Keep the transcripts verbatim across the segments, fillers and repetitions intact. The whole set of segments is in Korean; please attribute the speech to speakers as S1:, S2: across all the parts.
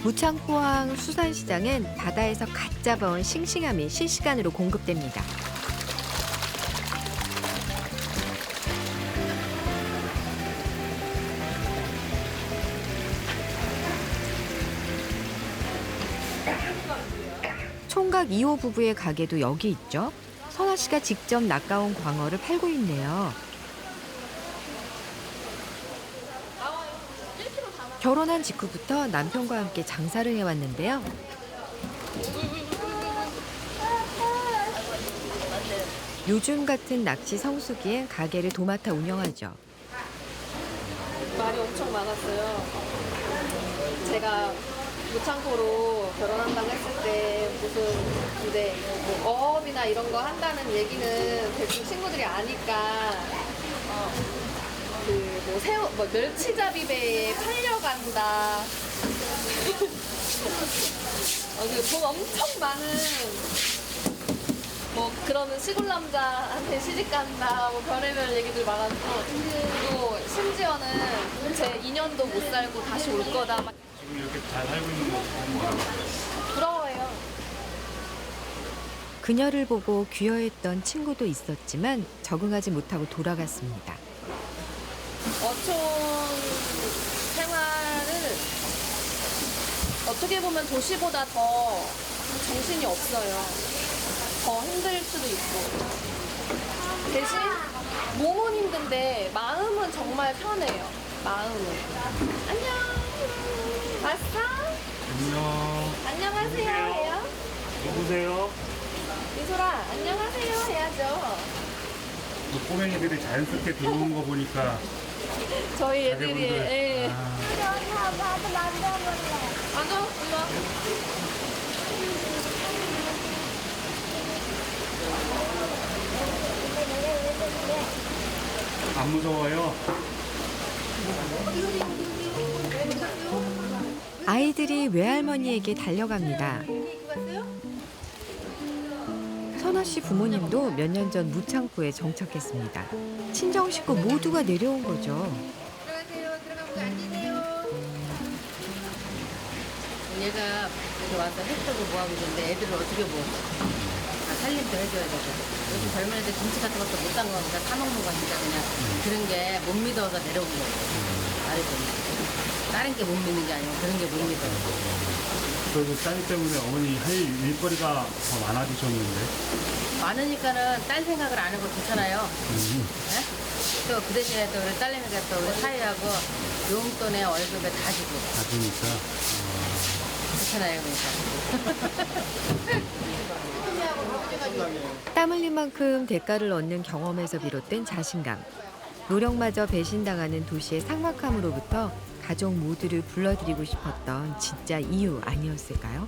S1: 무창포항 수산시장은 바다에서 갓 잡아온 싱싱함이 실시간으로 공급됩니다. 총각 이 호 부부의 가게도 여기 있죠. 선아 씨가 직접 낚아온 광어를 팔고 있네요. 결혼한 직후부터 남편과 함께 장사를 해왔는데요. 요즘 같은 낚시 성수기엔 가게를 도맡아 운영하죠.
S2: 말이 엄청 많았어요. 제가 무창포로 결혼한다고 했을 때 무슨 근데 뭐 어업이나 이런 거 한다는 얘기는 대충 친구들이 아니까 어, 그뭐 새우 뭐 멸치잡이배에 팔려간다. 어, 그돈 엄청 많은 뭐 그러는 시골 남자한테 시집 간다 뭐 별의별 얘기들 많았고 또 심지어는 제 이 년도 못 살고 다시 올 거다 막
S3: 지금 이렇게 잘 살고 있는 모습 보면 뭐라고 그래요?
S2: 부러워요.
S1: 그녀를 보고 귀여했던 친구도 있었지만 적응하지 못하고 돌아갔습니다.
S2: 어촌 생활은 어떻게 보면 도시보다 더 정신이 없어요. 더 힘들 수도 있고. 대신 몸은 힘든데 마음은 정말 편해요. 마음은. 안녕. 왔어?
S3: 안녕.
S2: 안녕하세요 해요.
S3: 누구세요?
S2: 미소라 안녕하세요 해야죠.
S3: 그 꼬맹이들이 자연스럽게 들어오는 거 보니까
S2: 저희 애들이
S3: 자제분들.
S2: 예.
S3: 아,
S4: 나도 만져볼래.
S2: 앉아 이리 와.
S3: 안 무서워요?
S1: 아이들이 외할머니에게 달려갑니다. 선아 씨 부모님도 몇 년 전 무창포에 정착했습니다. 친정 식구 모두가 내려온 거죠.
S2: 들어가세요. 들어가고 앉으세요.
S5: 얘가 여기 와서 햇떡을 뭐하고 있는데 애들을 어떻게 뭐 아, 살림도 해줘야 되고 요즘 젊은 애들 김치 같은 것도 못 담가니까 사먹는 거니까 그냥 그런 게 못 믿어서 내려온 거예요. 말해보면 다른 게 못 믿는 게 아니고 그런 게 못 믿어요.
S3: 그래도 딸 때문에 어머니 할 일거리가 더 많아지셨는데.
S5: 많으니까는 딸 생각을 안 하고 좋잖아요.
S3: 음.
S5: 네? 또 그 대신에 또 우리 딸내미가 또 우리 사위하고 용돈에 월급에 다 주고
S3: 가지니까.
S5: 좋잖아요. 그러니까.
S1: 땀 흘린 만큼 대가를 얻는 경험에서 비롯된 자신감. 노력마저 배신당하는 도시의 삭막함으로부터 가족 모두를 불러들이고 싶었던 진짜 이유 아니었을까요?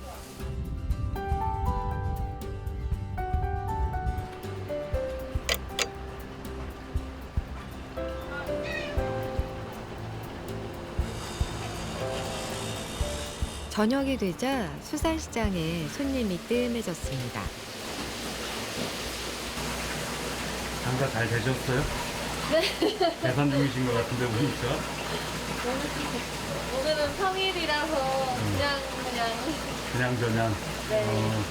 S1: 저녁이 되자 수산시장에 손님이 뜸해졌습니다.
S3: 장사 잘 되셨어요? 네. 계산 중이신 것 같은데 보니까.
S2: 오늘은 평일이라서 그냥 그냥
S3: 그냥 저냥.
S2: 네.
S3: 어.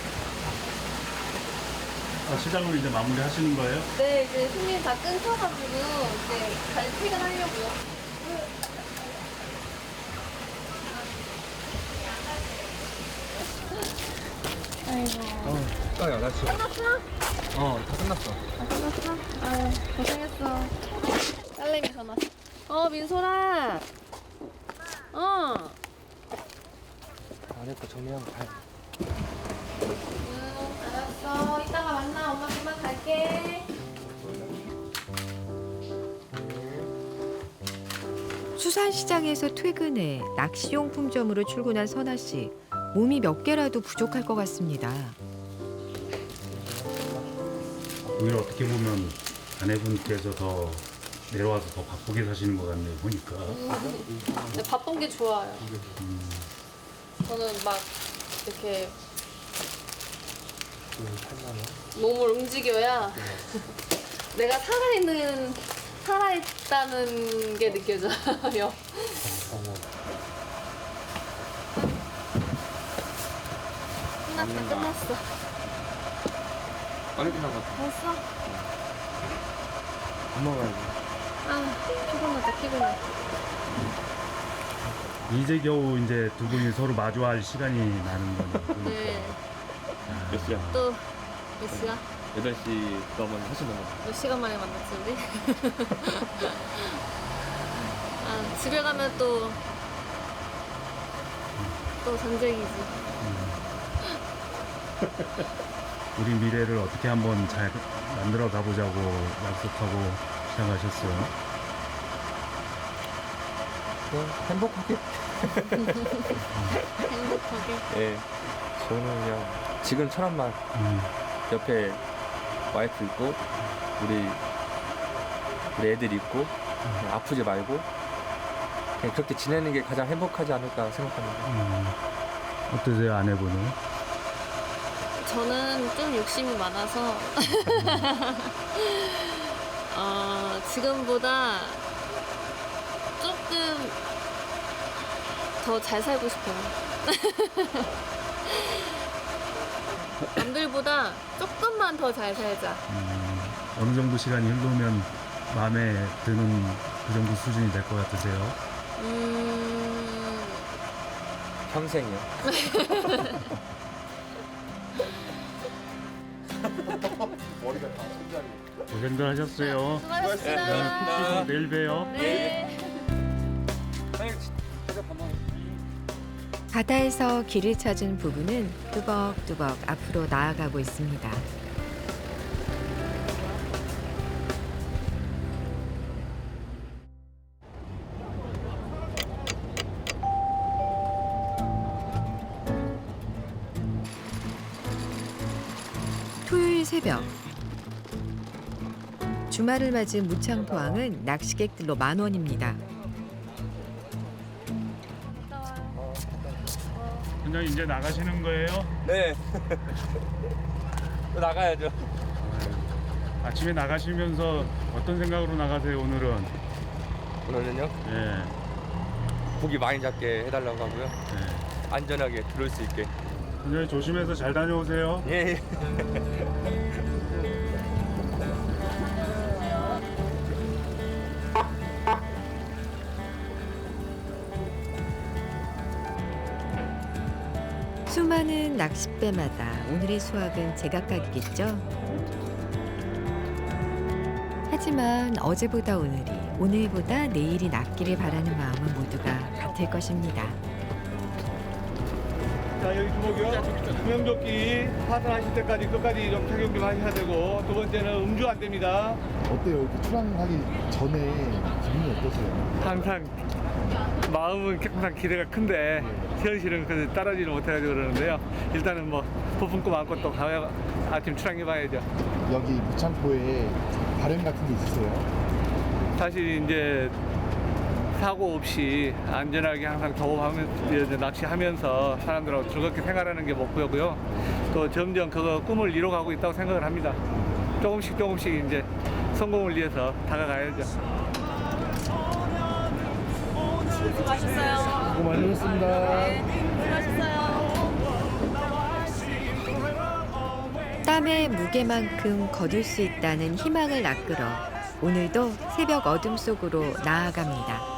S3: 아, 시장을 이제 마무리 하시는 거예요?
S2: 네 이제 손님 다 끊겨가지고 이제 갈 퇴근하려고요.
S6: 어, 딱이야, 나 지금.
S2: 끝났어?
S6: 어, 다 끝났어.
S2: 아 끝났어? 아유 고생했어. 딸내미 전화. 어 민소라. 어.
S6: 안 했고 정리하고 가야
S2: 응 알았어. 이따가 만나. 엄마 그만 갈게.
S1: 수산시장에서 퇴근해 낚시용품점으로 출근한 선아 씨. 몸이 몇 개라도 부족할 것 같습니다.
S3: 오히려 어떻게 보면 아내분께서 더 내려와서 더 바쁘게 사시는 것 같네요, 보니까.
S2: 근데 바쁜 게 좋아요. 저는 막 이렇게 몸을 움직여야 내가 살아있는 살아있다는 게 느껴져요. 끝났어.
S6: 빨리 끝난 것 같아.
S2: 됐어?
S6: 밥 먹어야지.
S2: 아, 피곤하다, 피곤해.
S3: 이제 겨우 이제 두 분이 서로 마주할 시간이 나는 거네요.
S2: 네.
S6: 몇 시야?
S2: 또 몇 시야?
S6: 여덟 시 넘은 훨씬 넘어.
S2: 몇 시간 만에 만났지 우리? 아, 집에 가면 또 또 전쟁이지.
S3: 우리 미래를 어떻게 한번 잘 만들어 가보자고 약속하고 시작하셨어요.
S6: 그냥 행복하게.
S2: 행복하게.
S6: 예. 저는 그냥 지금처럼만
S3: 음,
S6: 옆에 와이프 있고 우리 우리 애들 있고 그냥 아프지 말고 그냥 그렇게 지내는 게 가장 행복하지 않을까 생각합니다.
S3: 음. 어떠세요, 아내분은?
S2: 저는 좀 욕심이 많아서 어, 지금보다 조금 더 잘 살고 싶어요. 남들보다 조금만 더 잘 살자.
S3: 음, 어느 정도 시간이 흐르면 마음에 드는 그 정도 수준이 될 것 같으세요?
S2: 음,
S6: 평생이요.
S3: 고생들 하셨어요.
S2: 수고하셨습니다.
S3: 푹 쉬고 내일 봬요.
S2: 네.
S1: 바다에서 길을 찾은 부부는 뚜벅뚜벅 앞으로 나아가고 있습니다. 토요일 새벽 주말을 맞은 무창포항은 낚시객들로 만원입니다.
S3: 선장님 이제 나가시는 거예요?
S6: 네. 또 나가야죠.
S3: 아침에 나가시면서 어떤 생각으로 나가세요, 오늘은?
S6: 오늘은요
S3: 예,
S6: 고기 많이 잡게 해달라고 하고요.
S3: 예.
S6: 안전하게 들어올 수 있게.
S3: 선장님 조심해서 잘 다녀오세요.
S6: 예.
S1: 수많은 낚싯배마다 오늘의 수확은 제각각이겠죠. 하지만 어제보다 오늘이, 오늘보다 내일이 낫기를 바라는 마음은 모두가 같을 것입니다.
S4: 자, 여기 주목이요. 구명조끼 파산하실 때까지 끝까지 좀 착용 좀 하셔야 되고, 두 번째는 음주 안 됩니다.
S7: 어때요? 이렇게 출항하기 전에 기분이 어떠세요?
S4: 항상 마음은 항상 기대가 큰데 현실은 그 따라지를 못해가지고 그러는데요. 일단은 뭐 부푼 꿈 안고 또 가야 아침 출항해봐야죠.
S7: 여기 무창포에 바람 같은 게 있으세요?
S4: 사실 이제 사고 없이 안전하게 항상 작업하면서 낚시하면서 사람들하고 즐겁게 생활하는 게 목표고요. 또 점점 그거 꿈을 이뤄가고 있다고 생각을 합니다. 조금씩 조금씩 이제 성공을 위해서 다가가야죠.
S2: 수고하셨어요.
S7: 수고 많으셨습니다.
S1: 땀의 무게만큼 거둘 수 있다는 희망을 낚으러 오늘도 새벽 어둠 속으로 나아갑니다.